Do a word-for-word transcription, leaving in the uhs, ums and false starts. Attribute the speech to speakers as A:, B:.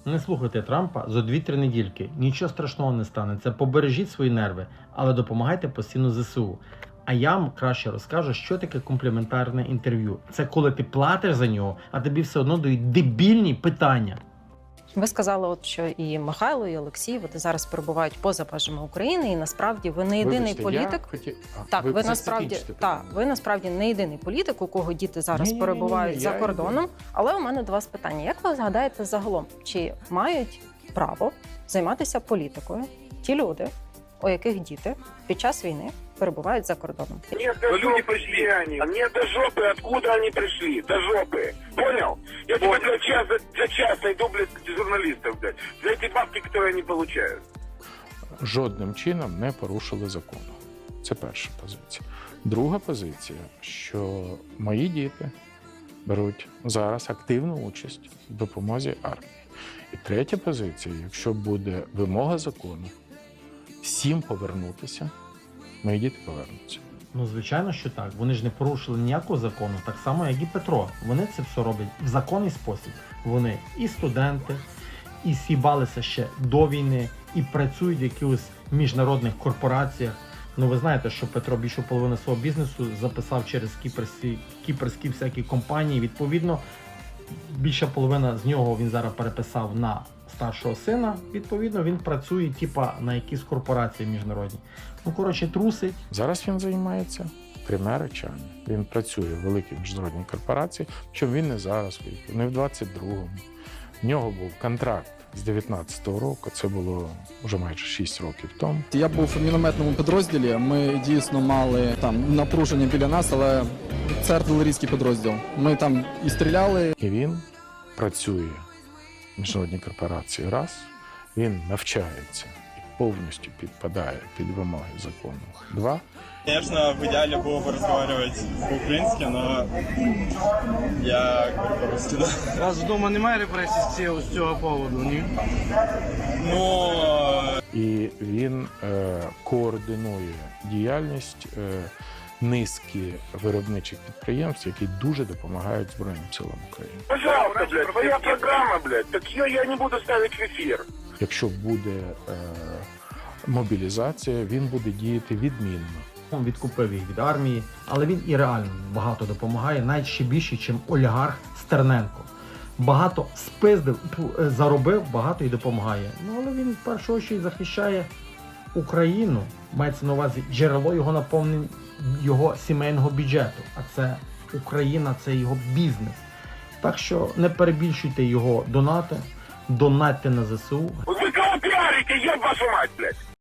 A: Не слухайте Трампа за дві-три недільки. Нічого страшного не станеться. Побережіть свої нерви, але допомагайте постійно зе се у. А я вам краще розкажу, що таке компліментарне інтерв'ю. Це коли ти платиш за нього, а тобі все одно дають дебільні питання.
B: Ви сказали, от що і Михайло, і Олексій вони зараз перебувають поза межами України, і насправді ви не єдиний
C: Вибачте,
B: політик.
C: я хотів... а,
B: Так, ви,
C: це
B: насправді
C: закінчите
B: так,
C: питання.
B: ви насправді не єдиний політик, у кого діти зараз
C: Ні-ні-ні-ні,
B: перебувають за
C: я
B: кордоном. Але у мене до вас питання: як ви згадаєте загалом, чи мають право займатися політикою ті люди, у яких діти під час війни перебувають за кордоном?
D: Нет, до люди пришли они. А нет, до жопы, откуда они пришли? До жопы. Понял? Я тебе для часа, для часа иду, блядь, журналистов, блядь. За эти бабки, которые они получают.
C: Жодним чином не порушили закону. Це перша позиція. Друга позиція, що мої діти беруть зараз активну участь в допомозі армії. І третя позиція, якщо буде вимога закону, всім повернутися, мої діти повернуться.
A: Ну, звичайно, що так. Вони ж не порушили ніякого закону, так само, як і Петро. Вони це все роблять в законний спосіб. Вони і студенти, і сібалися ще до війни, і працюють в якихось міжнародних корпораціях. Ну, ви знаєте, що Петро більшу половину свого бізнесу записав через кіпрські, кіпрські всякі компанії. Відповідно, більша половина з нього він зараз переписав на старшого сина. Відповідно, він працює типа на якісь корпорації міжнародні. Ну, коротше, трусить.
C: Зараз він займається трьома речами. Він працює в великій міжнародній корпорації, що він не зараз виїхав, не в двадцять другому. В нього був контракт з дев'ятнадцятого року, це було вже майже шість років тому.
E: Я був у мінометному підрозділі. Ми дійсно мали там напруження біля нас, але це артилерійський підрозділ. Ми там і стріляли.
C: І він працює в міжнародній корпорації раз, він навчається і повністю підпадає під вимоги закону. Два.
F: Конечно, в идеале было бы разговаривать по-украински, но я говорю по-русски, да.
G: У вас вдома немає репресій з цього поводу, ні?
F: Ну,
C: І він е, координує діяльність е, низки виробничих підприємств, які дуже допомагають Збройним силам України.
D: Пожалуйста, блядь, твоя программа, блядь. Так ее я не буду ставить в эфир.
C: Якщо буде е, мобілізація, він буде діяти відмінно.
A: Він відкупив їх від армії, але він і реально багато допомагає, навіть ще більше, ніж олігарх Стерненко. Багато спиздив, заробив, багато і допомагає. Ну, але він в першу чергу захищає Україну, мається на увазі джерело його наповнення, його сімейного бюджету. А це Україна, це його бізнес. Так що не перебільшуйте його донати, донатьте на зе се у.
D: Вы кого пиарите, еб вашу мать, блядь.